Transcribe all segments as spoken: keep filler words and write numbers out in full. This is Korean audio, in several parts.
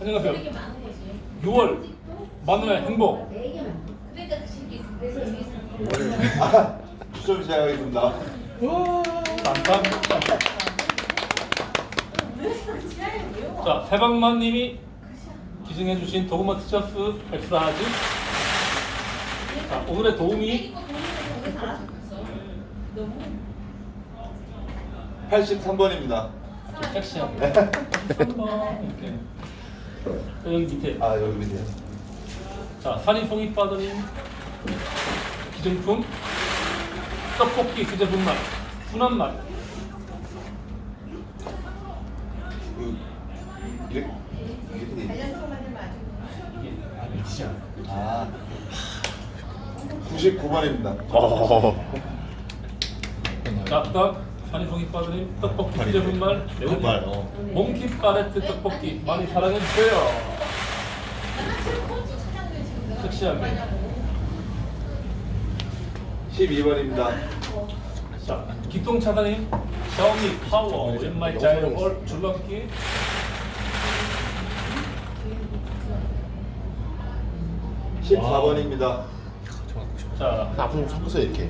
안녕하세요. 유월 만우의 행복. 아, 추첨 시작하겠습니다. 깜깜. 자, 세방만님이 기증해주신 도그마 티셔츠 엑스라지. 자, 오늘의 도움이 팔십삼 번입니다. 좀 섹시하게. 삼 번 이렇게. 여기 밑에. 아, 여기 밑에요. 자, 산이송이 빠드님 기증품 떡볶이 수제분 맛, 순한 맛. 그 이렇게 이렇게 돼 있네. 아, 구십구 번입니다. 자, 그다음 산이송이 빠드님 떡볶이 수제분 맛, 매운말. 어. 몽키 파레트 떡볶이 많이 사랑해 주세요. 섹시하게. 십이 번입니다. 자, 기똥차다님 샤오미 파워 왼말 자이로볼 줄넘기. 십사 번입니다. 자, 앞으로 섞어서 이렇게.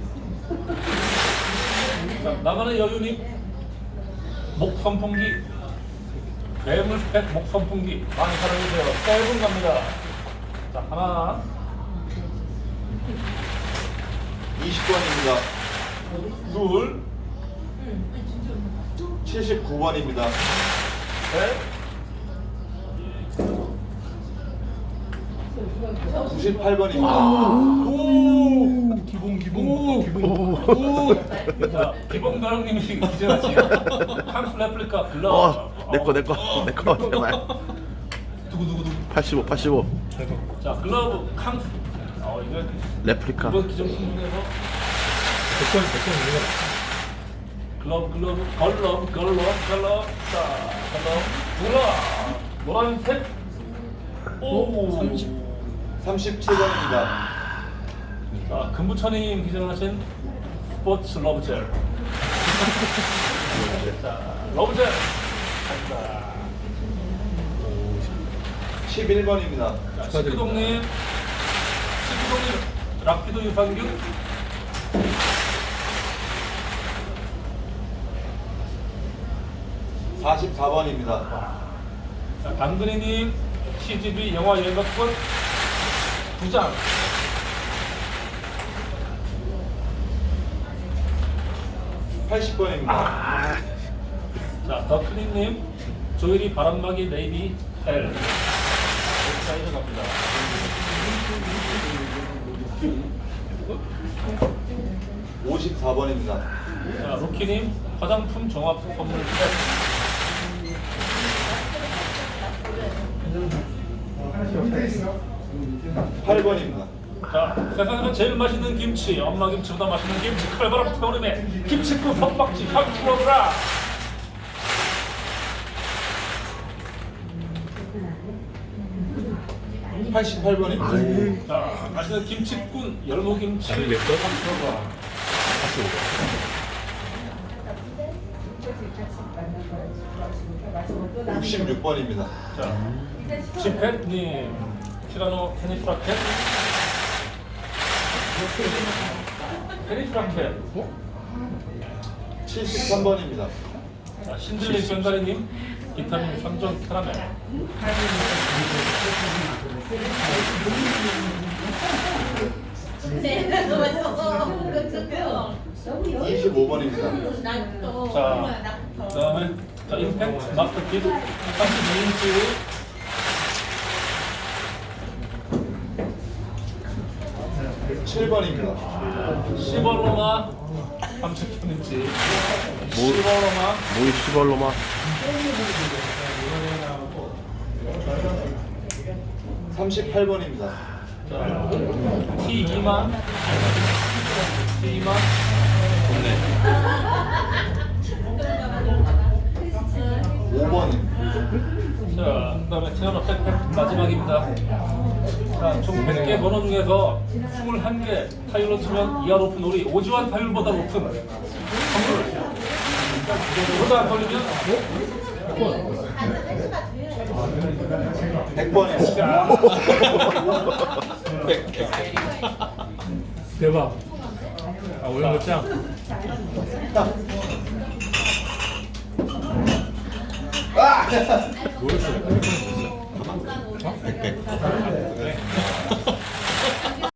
자, 나가는 여유님 목 선풍기 괴물 스펙 목 선풍기 많이 사랑해주세요. 짧은 갑니다. 자, 하나 이십 번입니다. 둘 칠십구 번입니다. 셋 구십팔 번입니다. 오! 기봉 기봉 기봉 오! 자, 기봉가랑님이 기절하지 칸스 레플리카 블러. 어, 내거 내거 내거 제발. 두구두구두구. 팔십오 팔십오 자, 글러브 칸스. 어, 이거 레플리카. 이번 기정품 중에서 백번 백번 이거. 글러브 글러브 걸럽 걸럽 걸럽. 자, 걸럽 글러브 노란색. 오. 삼십칠 번입니다. 자, 금부처님 기증하신 스포츠 러브젤. 자, 러브젤. 간다. 십일 번입니다. 자, 식구동님, 식구동님, 락피도 유산균. 사십사 번입니다. 자, 당근이님, 씨지비 영화 여행가권 두 장. 팔십 번입니다. 자, 더클린님, 조일이 바람막이 네이비 L. 사이즈 갑니다. 오십사 번입니다. 자, 루키님, 화장품 종합 선물 세트. 팔 번입니다. 자, 세상에서 제일 맛있는 김치, 엄마 김치보다 맛있는 김치, 칼바람 태우림에 김치국 선박지 향수 먹으라. 팔십팔 번입니다. 자, 맛있는 김치꾼, 열무김치 향수 먹으라. 육십육 번입니다. 자, 지펫님, 티라노 테니스 라켓. 테니스 라켓. 칠십삼 번입니다. 자, 신들린 변다리님, 비타민 삼 종 캐러멜. 이십오 번입니다. 자, 그다음에 자, 임팩트 마스터킷 삼십이 인치. 칠 번입니다. 시벌로마 삼십삼 인치. 시벌로마. 모이 시벌로마. 삼십팔 번입니다. 자, 티 이만. 티 이만. 오 번입니다. 자, 그다음에 티라노 백팩 마지막입니다. 자, 총 백 개 번호 중에서 이십일 개 타율로 치면 이하 높은 우리 오지환 타율보다 높은 선물. 보다 안 걸리면 백 번이요. 대박. 아, 오늘 짱. 아! 뭐였어요? 백, 백.